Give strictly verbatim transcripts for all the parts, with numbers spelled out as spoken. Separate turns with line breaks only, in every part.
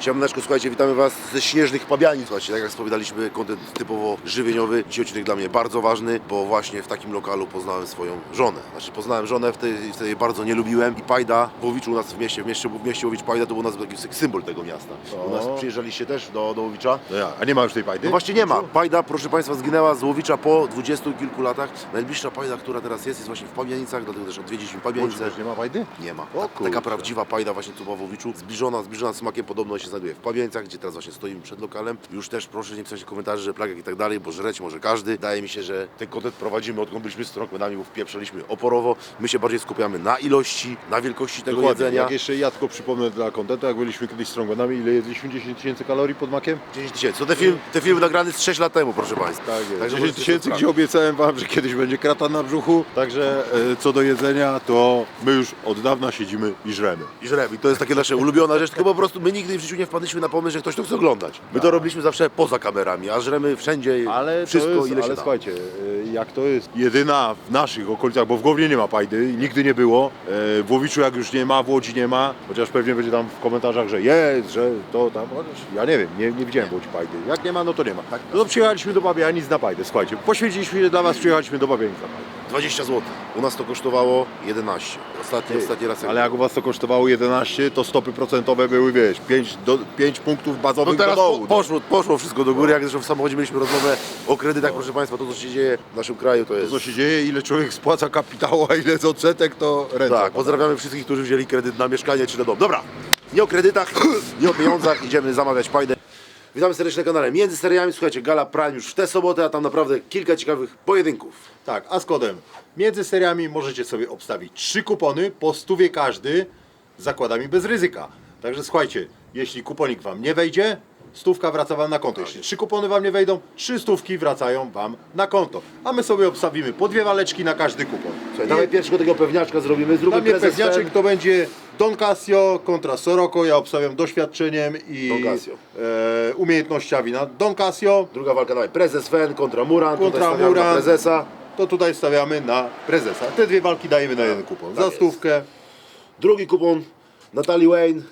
Siemaneczko, słuchajcie, witamy Was ze śnieżnych Pabianic. Słuchajcie, tak jak wspominaliśmy, kontent typowo żywieniowy. Dzisiaj odcinek dla mnie bardzo ważny, bo właśnie w takim lokalu poznałem swoją żonę. Znaczy poznałem żonę, wtedy, wtedy jej bardzo nie lubiłem. I Pajda w Łowiczu u nas w mieście, w mieście, w mieście Łowicz Pajda to był nas taki symbol tego miasta.
O.
U nas przyjeżdżaliście też do, do Łowicza.
No ja, a nie ma już tej Pajdy?
No właśnie nie ma. Pajda, proszę Państwa, zginęła z Łowicza po dwudziestu kilku latach. Najbliższa Pajda, która teraz jest, jest właśnie w Pabianicach, dlatego też odwiedziliśmy Pabianice.
Też nie ma Pajdy?
Nie ma.
O
Ta,
kurczę.
taka prawdziwa Pajda właśnie tu była w Łowiczu. Zbliżona, zbliżona smakiem podobno się znajduje w Pabianicach, gdzie teraz właśnie stoimy przed lokalem. Już też proszę nie pisać komentarzy, że plagach i tak dalej, bo żreć może każdy. Wydaje mi się, że ten kontent progadzimy, odkąd byliśmy z Strongmanami, bo wpieprzaliśmy oporowo. My się bardziej skupiamy na ilości, na wielkości tego
Dokładnie.
jedzenia.
Jak jeszcze ja tylko przypomnę dla kontentu, jak byliśmy kiedyś z Strongmanami, ile jedliśmy? dziesięć tysięcy kalorii pod makiem?
dziesięć tysięcy. To te, film, te filmy nagrane z sześć lat temu, proszę Państwa.
Tak jest.
Także
dziesięć
możecie
tysięcy,
sobie
gdzie obiecałem Wam, że kiedyś będzie krata na brzuchu. Także e, co do jedzenia, to my już od dawna siedzimy i żremy.
I żremy. I to jest takie nasze ulubiona rzecz, tylko po prostu my nigdy w życiu nie wpadliśmy na pomysł, że ktoś to chce oglądać. My to robiliśmy zawsze poza kamerami, a żremy wszędzie,
Ale
wszystko
to jest,
ile się
ale
da.
słuchajcie, e, jak to jest jedyna w naszych okolicach, bo w Głowie nie ma Pajdy i nigdy nie było. E, w Łowiczu jak już nie ma, w Łodzi nie ma, chociaż pewnie będzie tam w komentarzach, że jest, że to tam, chociaż ja nie wiem, nie, nie widziałem w Łodzi Pajdy. Jak nie ma, no to nie ma. No to przyjechaliśmy do Pabianic na Pajdę, słuchajcie, poświęciliśmy się dla Was, przyjechaliśmy do Pabianic na Pajdę.
dwadzieścia złotych. U nas to kosztowało jedenaście. Ostatni, ostatni raz.
Ale jak u Was to kosztowało jedenaście, to stopy procentowe były, wiesz, pięć, do, pięć punktów
No
bazowych
teraz
do dołu.
po, poszło, poszło wszystko do góry, jak zresztą w samochodzie mieliśmy rozmowę o kredytach, proszę Państwa, to co się dzieje w naszym kraju to
To
jest...
co się dzieje, ile człowiek spłaca kapitału, a ile z odsetek, to ręce.
Tak, pozdrawiamy wszystkich, którzy wzięli kredyt na mieszkanie czy na dom. Dobra, nie o kredytach, nie o pieniądzach, idziemy zamawiać Pajdę. Witamy serdecznie na kanale Między Seriami, słuchajcie, Gala Prime już w tę sobotę, a tam naprawdę kilka ciekawych pojedynków.
Tak, a z kodem między seriami możecie sobie obstawić trzy kupony po stówie każdy z zakładami bez ryzyka. Także słuchajcie, jeśli kuponik Wam nie wejdzie, stówka wraca Wam na konto. Jeśli trzy kupony Wam nie wejdą, trzy stówki wracają Wam na konto. A my sobie obstawimy po dwie waleczki na każdy kupon.
Słuchaj, dawaj pierwszego tego pewniaczka zrobimy,
Dla
zróbmy
mnie
prezes
pewniaczek
ten.
to będzie Don Casio kontra Soroko. Ja obstawiam doświadczeniem i
Don Casio.
e, umiejętnościami na Don Casio.
Druga walka, dawaj, prezes Fen kontra Muran,
Kontra
tutaj stawiamy na
Muran.
prezesa.
To tutaj stawiamy na prezesa. Te dwie walki dajemy na jeden kupon.
tak
Za
jest.
stówkę.
Drugi kupon, Natalie Wayne,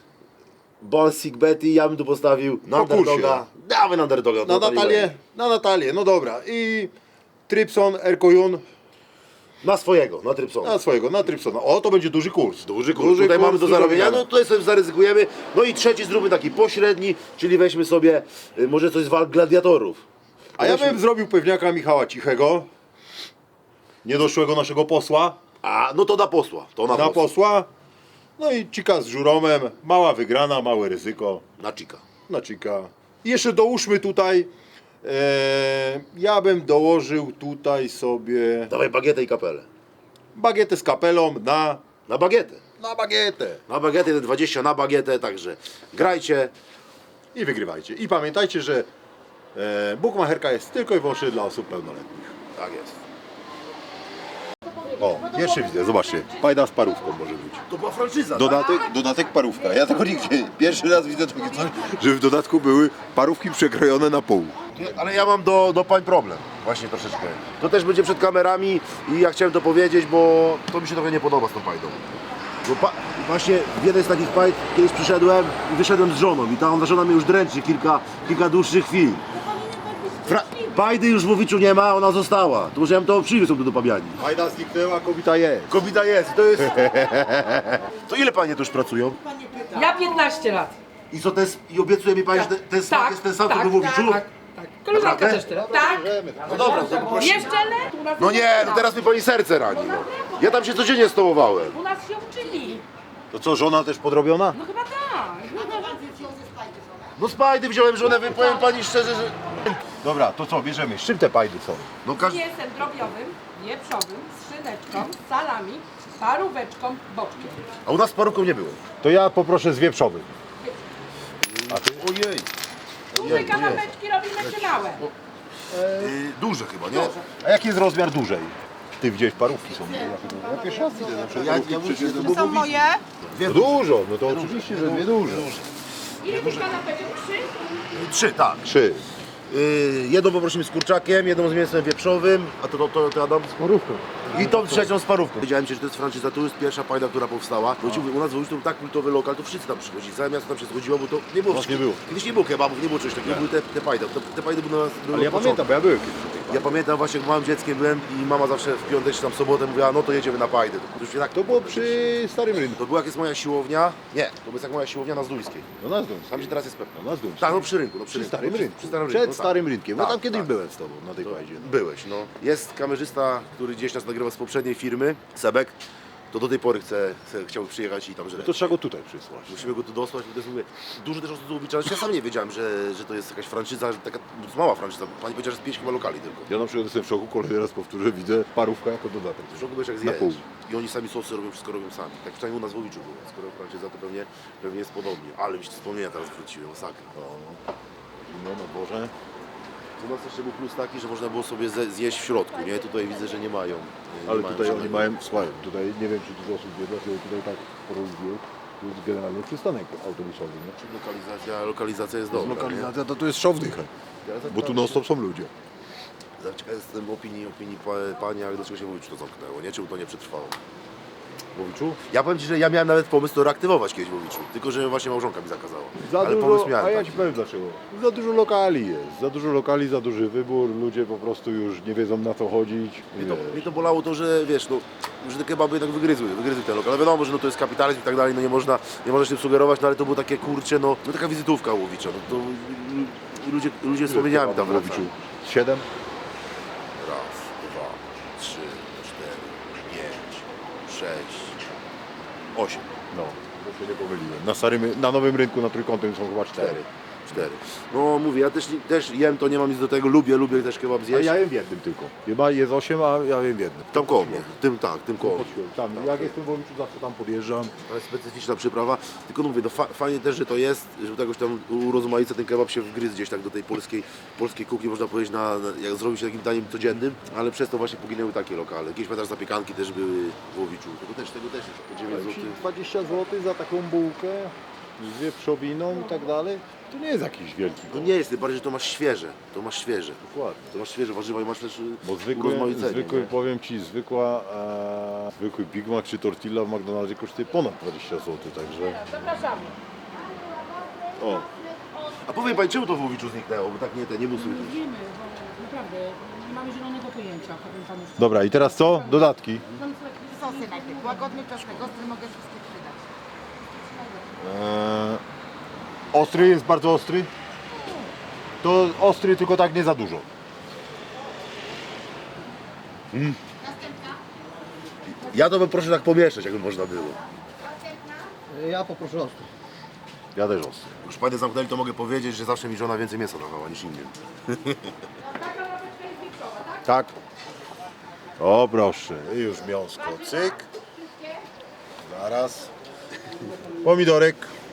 Bonsik Betty, ja bym tu postawił na
Po kursie.
underdoga. Dawaj na underdoga.
Na
Natalie
Natalię,
Wayne.
na Natalię, no dobra. I Trypson, Erkojun,
Na swojego, na Trypsona.
na swojego, na Trypsona. O, to będzie duży kurs.
Duży kurs, tutaj mamy do zarobienia, no tutaj sobie zaryzykujemy. No i trzeci zróbmy taki pośredni, czyli weźmy sobie y, może coś z walk gladiatorów.
A ja
Weźmy-
bym zrobił pewniaka Michała Cichego, niedoszłego naszego posła,
A, no to na posła, to na,
na
posła.
posła. No i Cika z Żuromem, mała wygrana, małe ryzyko,
Na Cika.
na Cika. I jeszcze dołóżmy tutaj, e, ja bym dołożył tutaj sobie
Dawaj bagietę i kapelę.
bagietę z kapelą na,
Na bagietę.
na bagietę.
Na bagietę, te dwadzieścia na bagietę, także grajcie.
I wygrywajcie. I pamiętajcie, że e, bukmacherka jest tylko i wyłącznie dla osób pełnoletnich.
Tak jest.
O, pierwszy widzę, zobaczcie. Pajda z parówką może być.
To była franczyza, tak?
Dodatek, dodatek parówka. Ja tego nigdzie, pierwszy raz widzę takie coś, że w dodatku były parówki przekrojone na pół.
Ale ja mam do, do pań problem, właśnie troszeczkę. To też będzie przed kamerami i ja chciałem to powiedzieć, bo to mi się trochę nie podoba z tą pajdą. Bo pa, właśnie w jednej z takich pań kiedyś przyszedłem i wyszedłem z żoną i ta żona mnie już dręczy kilka, kilka dłuższych chwil. Fra Pajdy już w Łowiczu nie ma, ona została. To może ja bym to przywiózł tu do Pabiani.
Pajda zniknęła, kobieta jest.
Kobieta jest, to jest... To ile panie tu już pracują?
Ja piętnaście lat.
I co, to jest, i obiecuje mi pani, że ten, ten smak jest ten sam, co
tak,
był w Łowiczu?
tak, tak. Koleżanka
Naprawdę?
też tyle. Tak.
No dobra, to prosimy.
Jeszcze le?
No nie, no teraz mi pani serce rani. No. Ja tam się codziennie stołowałem.
U nas się uczyli.
To co, żona też podrobiona?
No chyba tak.
No z Pajdy wziąłem żonę, wy- powiem pani szczerze, że...
Dobra, to co, bierzemy. Z czym te pajdy są?
No każdy...
Mięsem drobiowym, wieprzowym, z szyneczką, salami, paróweczką, boczkiem.
A u nas z paruką nie było.
To ja poproszę z wieprzowym.
Ojej.
Duże kanapeczki robimy czy małe?
Yy, duże chyba, nie?
A jaki jest rozmiar dużej? Ty gdzieś parówki są. Ja pierwszy raz widzę. Zawsze
Ja, ja mówię, to
Są moje?
No dużo, no to oczywiście, że dwie duże.
Ile tych kanapeczek? Trzy?
Trzy, tak.
Trzy.
Yy, jedną poprosimy z kurczakiem, jedną z mięsem wieprzowym, a to, to, to, to Adam?
Z porówką.
I tą trzecią z parówką. Wiedziałem Ci, że to jest franczyza, to jest pierwsza pajda, która powstała. Bo ci mówię, u nas w Łodzi to był tak kultowy lokal, to wszyscy tam przychodzili, całe miasto tam się zgodziło, bo to nie było.
U nas nie było.
Kiedyś nie było kebabów, nie było czegoś takiego, były te, te pajdy. Te, te pajdy były na nas były
Ale ja
od początku.
pamiętam, bo ja byłem kiedyś na tej
Ja
pajdzie.
pamiętam właśnie, jak małym dzieckiem byłem i mama zawsze w piątek czy tam w sobotę mówiła, no to jedziemy na pajdy. To, już się tak,
To było przy Starym Rynku.
to była jak jest moja siłownia, nie, to jest jak moja siłownia na Zdójskiej.
No nas dąży.
Tam gdzie teraz jest pewno.
No nas dąży.
Tak, no przy rynku, no przy,
Przy
rynku.
Starym
no,
Rynku.
Przy starym
Przed
rynku, no,
Starym Rynkiem. No
Tak,
tam kiedyś
tak.
byłem z tobą na tej
To
pajdzie. No.
Byłeś, no. Jest kamerzysta, który gdzieś nas nagrywa z poprzedniej firmy, Sebek. To do tej pory chce, chce, chciał przyjechać i tam żreć.
To trzeba go tutaj przysłać.
Musimy go tu dosłać, bo to jest, mówię, dużo też osób tu ulicza. Ja sam nie wiedziałem, że, że to jest jakaś franczyza, że taka mała franczyza. Pani powiedziała, że jest pięć chyba lokali tylko.
Ja na przykład jestem w szoku, kolejny raz powtórzę, widzę parówka jako dodatek.
W szoku byłeś jak
Na pół.
zjeść. I oni sami sosy robią, wszystko robią sami. Tak przynajmniej u nas w Łowiczu było. Skoro franczyza, to pewnie, pewnie jest podobnie. Ale mi się wspomnienia teraz wróciły, masakra.
No, no, no Boże.
U nas jeszcze był plus taki, że można było sobie ze- zjeść w środku, nie? Tutaj widzę, że nie mają. Nie
Ale
mają
tutaj oni
żadnego-
mają, słuchaj, tutaj nie wiem czy dużo osób wie, dlaczego tutaj tak rozwój, to jest generalnie przystanek autobusowy, nie?
Lokalizacja, lokalizacja jest
To jest
dobra.
lokalizacja, to tu jest szał wdychę, bo tu non stop są ludzie.
Ciekaw jestem opinii, opinii pa, pani, ale dlaczego się w Łowiczu to zamknęło, nie? Czemu to nie przetrwało?
W Łowiczu?
Ja powiem Ci, że ja miałem nawet pomysł to reaktywować kiedyś w Łowiczu, tylko że właśnie małżonka mi zakazała.
Za
ale
dużo,
pomysł miałem
a ja
taki.
Ci powiem dlaczego. Za dużo lokali jest, za dużo lokali, za duży wybór, ludzie po prostu już nie wiedzą na co chodzić.
Mnie to,
wiesz.
mnie to bolało to, że wiesz, no, że te kebaby jednak wygryzły, wygryzły ten lokal. Ale wiadomo, że no, to jest kapitalizm i tak dalej, no nie można, nie można się tym sugerować, no ale to było takie kurcze, no, no taka wizytówka Łowicza, no to ludzie, ludzie z wspomnieniami tam
w Łowiczu.
wracają.
Siedem?
Raz, dwa, trzy, cztery, pięć, sześć, osiem.
No, to się nie pomyliłem. Na, starym, na Nowym Rynku, na Trójkątnym są chyba cztery.
Cztery. Cztery. No mówię, ja też, też jem to, nie mam nic do tego, lubię, lubię też kebab
A
zjeść.
ja jem w jednym tylko. Chyba jest osiem, a ja jem w jednym.
Tam koło mnie, tym tak, tym koło mnie.
Tam, jak jestem w Łowiczu, zawsze tam podjeżdżam.
To jest specyficzna przyprawa, tylko no mówię, no fa fajnie też, że to jest, że to jakoś tam urozmaica ten kebab się wgryzł gdzieś tak do tej polskiej, polskiej kuchni, można powiedzieć, na, na, jak zrobić się takim daniem codziennym, ale przez to właśnie poginęły takie lokale. Jakieś pamiętasz zapiekanki też były w Łowiczu, tego też, tego też jest po dziewięć złotych.
dwadzieścia złotych za taką bułkę z wieprzowiną i tak dalej, to nie jest jakiś wielki
To
koszt.
nie jest, tym bardziej, że to masz świeże, to masz świeże.
Dokładnie.
To masz świeże warzywa i masz też
Bo zwykły,
urozmaicenie,
zwykły
nie?
powiem Ci, zwykła, e, zwykły Big Mac czy tortilla w McDonaldzie kosztuje ponad dwadzieścia złotych, także...
Zapraszamy.
O,
A powiem Pani, czemu to w Łowiczu zniknęło, bo tak nie, te, nie był słychać.
Wiemy, bo naprawdę nie mamy zielonego pojęcia, powiem panu szczerze.
dobra, i teraz co? Dodatki.
Sosy najpierw. Łagodny czosnek, ostry mogę wszystkie przydać.
E, ostry jest bardzo ostry? To ostry, tylko tak nie za dużo.
Ja to bym proszę tak pomieszać, jakby można było.
Ja poproszę ostry.
Ja też ostry.
Już Panie zamknęli, to mogę powiedzieć, że zawsze mi żona więcej mięsa dawała niż innym.
Tak? O proszę, i już miąsko, cyk. Zaraz. Pomidorek.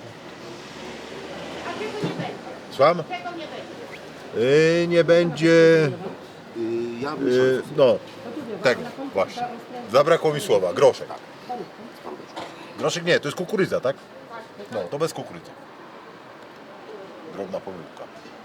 Słucham? Yy, nie będzie,
Yy, ja bym
yy, no, tego właśnie. Zabrakło mi słowa, groszek. Groszek nie, to jest kukurydza, tak? No, to bez kukurydzy. Drobna pomyłka.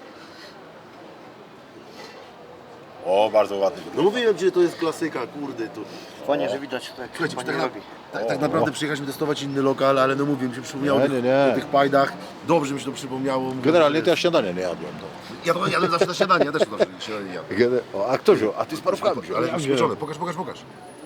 O, bardzo ładny.
No mówiłem Ci, że to jest klasyka, kurde, to...
Fajnie, że widać tak.
Słuchajcie,
Pani
tak, na,
robi.
tak, tak naprawdę przyjechaliśmy testować inny lokal, ale no mówię, mi się przypomniało
Nie,
o tych,
nie, nie.
o tych pajdach. Dobrze mi się to przypomniało. Mówię,
Generalnie
że-
to ja śniadania nie jadłem. No.
Ja to jadłem zawsze na śniadanie, ja też to zawsze na śniadanie jadłem.
Gene- O, a kto wziął? A ty z parówkami wziął.
Ale
Ja
już
wziąłem.
spieczone, pokaż, pokaż, pokaż.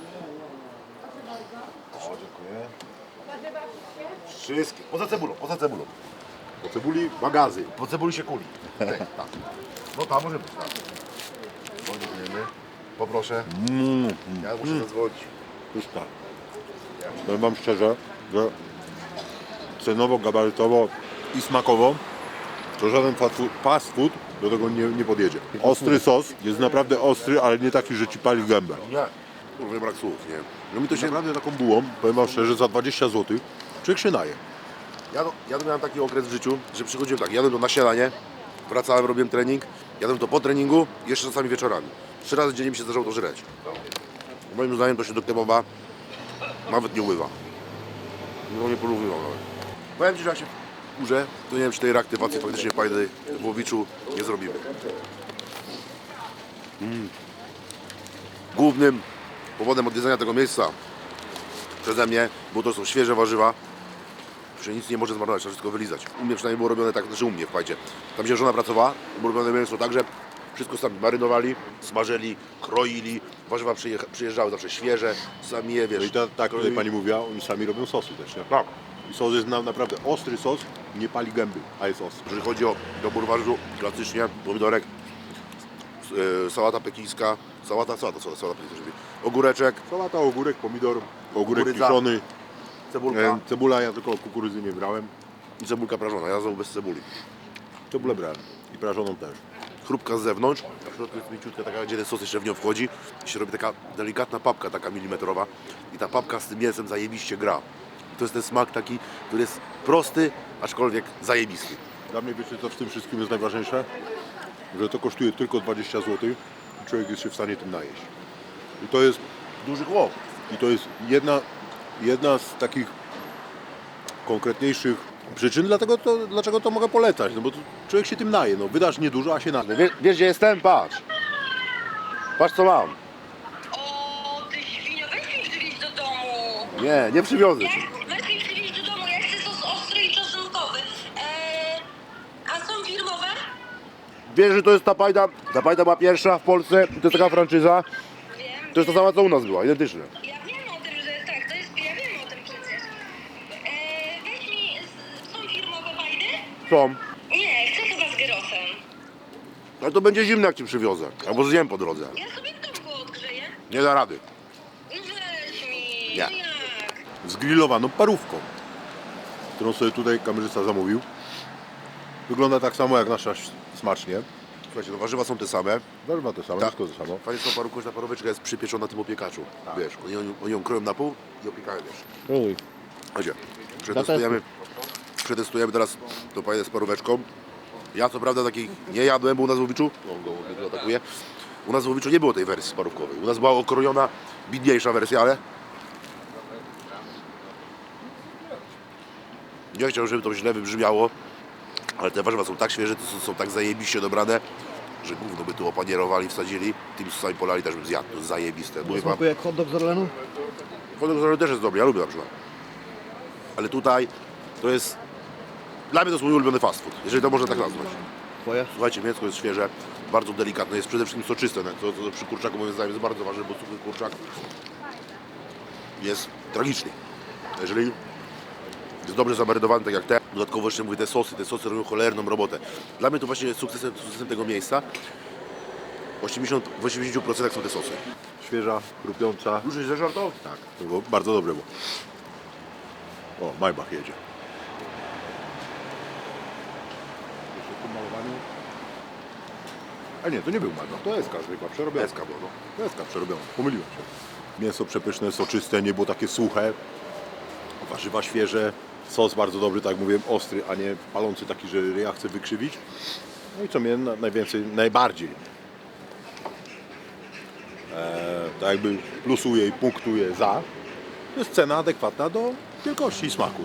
O, dziękuję.
Wszystkie, poza cebulą, poza cebulą.
Po cebuli magazy.
Po cebuli się kuli. Tak, tak. No tam może być, tak. No, dziękujemy. Poproszę.
Mm,
Ja muszę zadzwonić.
już tak. Powiem wam szczerze, że cenowo, gabarytowo i smakowo to żaden fast food, fast food do tego nie, nie podjedzie. Ostry sos jest naprawdę ostry, ale nie taki, że ci pali gębę.
Nie. Kurwa, brak słów, nie. No mi to się...
Naprawdę taką bułą, powiem wam szczerze, za dwadzieścia złotych człowiek się naje.
Ja, to, ja to miałem taki okres w życiu, że przychodziłem tak, jadłem to na śniadanie, wracałem, robiłem trening, jadłem to po treningu i jeszcze czasami wieczorami. Trzy razy dziennie mi się zdarzało to żreć. Moim zdaniem to się do kebaba nawet nie uływa. No nie polubiwał nawet. Powiem Ci, że jak się skórze, to nie wiem, czy tej reaktywacji faktycznie pajdy w Łowiczu nie zrobimy. Mm. Głównym powodem odwiedzenia tego miejsca przeze mnie, bo to są świeże warzywa, że nic nie może zmarnować, trzeba wszystko wylizać. U mnie przynajmniej było robione tak, znaczy u mnie, fajcie. Tam gdzie żona pracowała, było robione mięso tak, że wszystko sami marynowali, smażyli, kroili, warzywa przyjecha- przyjeżdżały zawsze świeże, sami je, wiesz.
No i ta, tak tutaj
kroili.
pani mówiła, oni sami robią sosy też, nie?
Tak.
I sos jest na, naprawdę ostry sos, nie pali gęby, a jest ostry.
Jeżeli chodzi o dobór warzyw, klasycznie pomidorek, e, sałata pekińska, sałata, sałata, sałata, sałata pekińska, żeby ogóreczek,
Salata, ogórek, pomidor, ogórek
Kukurydza.
kiszony,
cebulka
e, cebula, ja tylko kukurydzy nie brałem,
i cebulka prażona. Ja znowu bez cebuli.
cebulę brałem i prażoną też.
Chrupka z zewnątrz, a w środku jest mięciutka taka, gdzie ten sos jeszcze w nią wchodzi i się robi taka delikatna papka, taka milimetrowa i ta papka z tym mięsem zajebiście gra. To jest ten smak taki, który jest prosty, aczkolwiek zajebisty.
Dla mnie wiecie co w tym wszystkim jest najważniejsze? Że to kosztuje tylko dwadzieścia złotych i człowiek jest się w stanie tym najeść. I to jest,
Duży chłop.
i to jest jedna, jedna z takich konkretniejszych przyczyn, dlatego to, dlaczego to mogę polecać. No bo to człowiek się tym naje. No, wydasz niedużo, a się naje.
Wiesz, wiesz gdzie jestem? Patrz. Patrz co mam.
O, ty świnio, weź mi przywieźć do domu.
Nie, nie przywiozę
Ja,
ci.
weź mi przywieźć do domu, ja chcę sos ostry i czosnkowy. Eee, a są firmowe?
Wiesz, że to jest ta pajda, ta pajda była pierwsza w Polsce, to jest taka franczyza.
Wiem.
To jest ta sama co u nas była, identyczne.
Ja wiem o tym, że tak, to jest, ja wiem o tym przecież. Eee, weź mi, s- są firmowe bajdy?
Są.
Nie, chcę chyba z gyrosem.
Ale to będzie zimne jak ci przywiozę. Albo zjem po drodze.
Ja sobie w domku odgrzeję.
Nie da rady.
No weź mi,
Nie.
no jak?
Zgrillowaną parówką, którą sobie tutaj kamerzysta zamówił. Wygląda tak samo jak nasza ś- smacznie.
Słuchajcie, no warzywa są te same.
Warzywa to samo,
Tak.
wszystko to samo.
Fajnie jest ta parówka, że ta paróweczka jest przypieczona na tym opiekaczu. Wiesz, oni, ją- oni ją kroją na pół i opiekają, wiesz.
Uj.
Chodźcie, przetestujemy, przetestujemy teraz tą paję z paróweczką. Ja co prawda takich nie jadłem, bo u nas w Łowiczu, no go go atakuje, u nas w Łowiczu nie było tej wersji parówkowej. U nas była okrojona, bidniejsza wersja, ale nie chciałbym, żeby to źle wybrzmiało, ale te warzywa są tak świeże, to są, są tak zajebiście dobrane, że gówno by tu opanierowali, wsadzili, tym sosami polali też bym zjadł, to jest zajebiste. Mówię wam,
Smakuje jak hot dog z Orlenu?
Kodek z Orlenu też jest dobry, ja lubię na przykład. Ale tutaj to jest, dla mnie to jest mój ulubiony fast food, jeżeli to można tak nazwać.
Twoje?
Słuchajcie, mięsko jest świeże, bardzo delikatne, jest przede wszystkim soczyste, no, to, to przy kurczaku moim zdaniem jest bardzo ważne, bo suchy kurczak jest tragiczny. Jeżeli jest dobrze zamarynowany, tak jak te, dodatkowo jeszcze mówię, te sosy, te sosy robią cholerną robotę. Dla mnie to właśnie jest sukcesem, sukcesem tego miejsca. osiemdziesiąt, w osiemdziesięciu procentach są te sosy.
Świeża, chrupiąca.
Już jest zażartował?
Tak, to było bardzo dobre było. O, Maybach jedzie. Jeszcze w tym malowaniu. A nie, to nie był Maybach, to Eska zwykła, przerobiona.
Eska było, no.
To Eska przerobiona, pomyliłem się. Mięso przepyszne, soczyste, nie było takie suche. Warzywa świeże, sos bardzo dobry, tak jak mówiłem, ostry, a nie palący taki, że ja chcę wykrzywić. No i co mnie na- najwięcej, najbardziej e, tak jakby plusuje i punktuje za, to jest cena adekwatna do wielkości i smaku.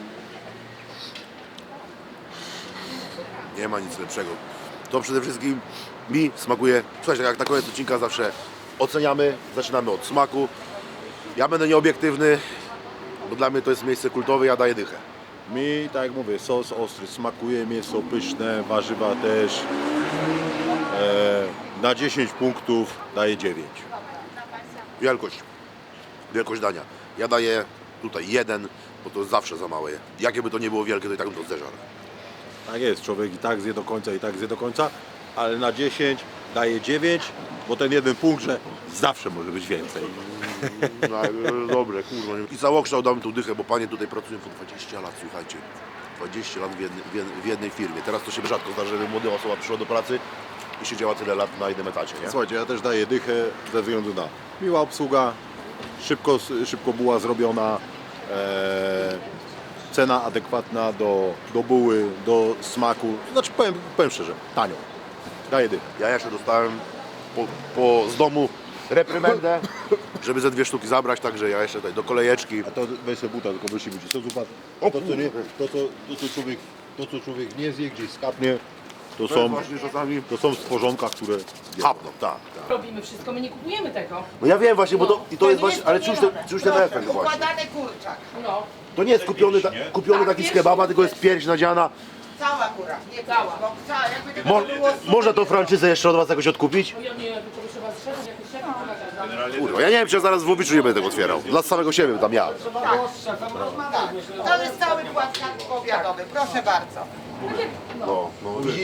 Nie ma nic lepszego. To przede wszystkim mi smakuje. Słuchajcie, jak na koniec odcinka zawsze oceniamy, zaczynamy od smaku. Ja będę nieobiektywny, bo dla mnie to jest miejsce kultowe, ja daję dychę.
Mi, tak jak mówię, sos ostry, smakuje, mięso pyszne, warzywa też. E, na dziesięć punktów daję dziewięć.
Wielkość. Wielkość dania. Ja daję tutaj jeden, bo to jest zawsze za małe. Jakie by to nie było wielkie, to i tak bym to zderzał.
Tak jest, człowiek i tak zje do końca, i tak zje do końca, ale na dziesięć daje dziewięć, bo ten jeden punkt, że zawsze może być więcej.
No, dobre, kurwa. I całokształt damy tu dychę, bo panie tutaj pracują po dwadzieścia lat, słuchajcie. dwadzieścia lat w jednej, w jednej, w jednej firmie. Teraz to się rzadko zdarza, żeby młoda osoba przyszła do pracy i siedziała tyle lat na jednym etacie, nie?
Słuchajcie, ja też daję dychę ze względu na miła obsługa, szybko, szybko była zrobiona, e, cena adekwatna do, do buły, do smaku, znaczy powiem, powiem szczerze, tanio. Daję dychę.
Ja jeszcze dostałem po, po, z domu reprymendę, żeby ze dwie sztuki zabrać, także ja jeszcze tutaj do kolejeczki.
A to weź sobie buta, tylko wysi ci. Co zupa? To co nie, to co, to co człowiek to co człowiek nie zje, gdzieś skapnie, to
To
są,
jest właśnie czasami
to są stworzonka, które
kapną, tak, tak.
Robimy wszystko, my nie kupujemy tego.
No ja wiem właśnie, bo to, i to jest właśnie, ale czuć ten, czuć ten
Proszę,
efekt właśnie.
układany kurczak.
No,
To nie jest kupiony, ta, kupiony taki z kebaba, tylko jest pierś nadziana.
Cała góra, nie
Cała.
Bo cała, jakby tego
Mo,
było
można tą franczyzę jeszcze od was jakoś odkupić?
no ja nie, to trzeba z szefem, jakiś szef pokazać.
Kurwa, ja nie wiem, czy ja zaraz w Łowiczu nie będę tego otwierał. Dla samego siebie tam ja.
Tak, to jest cały płatkak powiatowy, proszę bardzo.
No, no widzisz?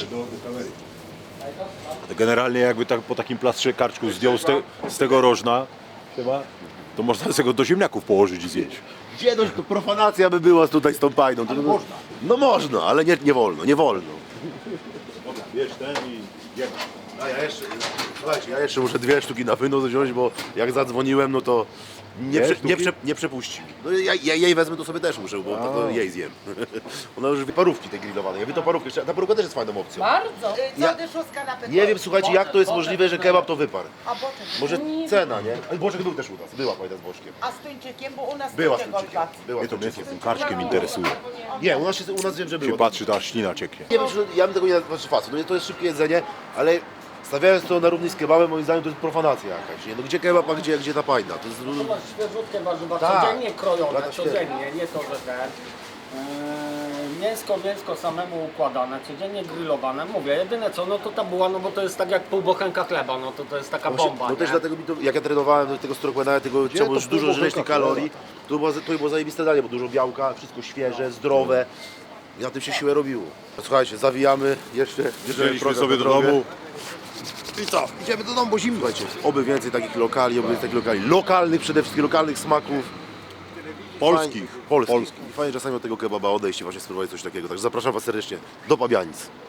generalnie jakby tak po takim plastrze karczku zdjął z, te, z tego rożna, to można sobie go do ziemniaków położyć i zjeść.
Gdzie no, to profanacja by była tutaj z tą pajdą. To, można. No można, ale nie, nie wolno, nie wolno.
Wiesz, ten i jemy.
A ja jeszcze, słuchajcie, ja jeszcze muszę dwie sztuki na wynos wziąć, bo jak zadzwoniłem, no to nie,
Dwie
prze, nie,
sztuki?
prze, nie przepuści. No ja, ja jej wezmę, to sobie też muszę, bo to, to jej zjem. Ona już wie parówki te grillowane. Ja wiem, to parówkę, ta parówka też jest fajną opcją.
Bardzo.
Y, Co
Ja-
dyszuska na pytanie?
Nie wiem, słuchajcie, jak to jest możliwe, że kebab to wyparł.
A boczek?
Może cena, nie? Ale Boczek był też u nas, była fajna z Boczkiem.
A z tuńczykiem, bo u nas
Była z
tuńczyk
tuńczykiem.
odpadł.
Była
Mnie
z
to mnie
tuńczykiem.
tym karczkiem interesuje.
Nie, u nas, się, u nas wiem, że
Się
było.
patrzy, to aż ślina cieknie.
Nie wiem, czy ja bym tego nie znaczy facet, no to jest szybkie jedzenie, ale stawiając to na równi z kebabem, moim zdaniem to jest profanacja jakaś, nie? No gdzie kebab, a gdzie, gdzie ta pajda? To jest...
To masz świeżutkie warzywa,
Tak.
codziennie krojone,
Lata
codziennie, nie to, że ten. Yy, mięsko, mięsko samemu układane, codziennie grillowane. Mówię, jedyne co, no to ta buła, no bo to jest tak jak pół bochenka chleba, no to to jest taka
Właśnie,
bomba,
no też
nie?
dlatego mi to, jak ja trenowałem do tego strokmana, tego trzeba było już
to
dużo
pół
żreć tych
bochenka
kalorii, to było, to było zajebiste danie, bo dużo białka, wszystko świeże, zdrowe. I na tym się siłę robiło. Słuchajcie, zawijamy jeszcze, bierzemy
Wzięliśmy
program
sobie
na
do
drogę.
domu.
I co? Idziemy do domu, bo zimno. Słuchajcie, oby więcej takich lokali, oby więcej takich lokali. Lokalnych przede wszystkim, lokalnych smaków.
Polskich.
Fajnie, polskich.
Polskich.
I fajnie czasami od tego kebaba odejść i właśnie spróbować coś takiego. Także zapraszam Was serdecznie do Pabianic.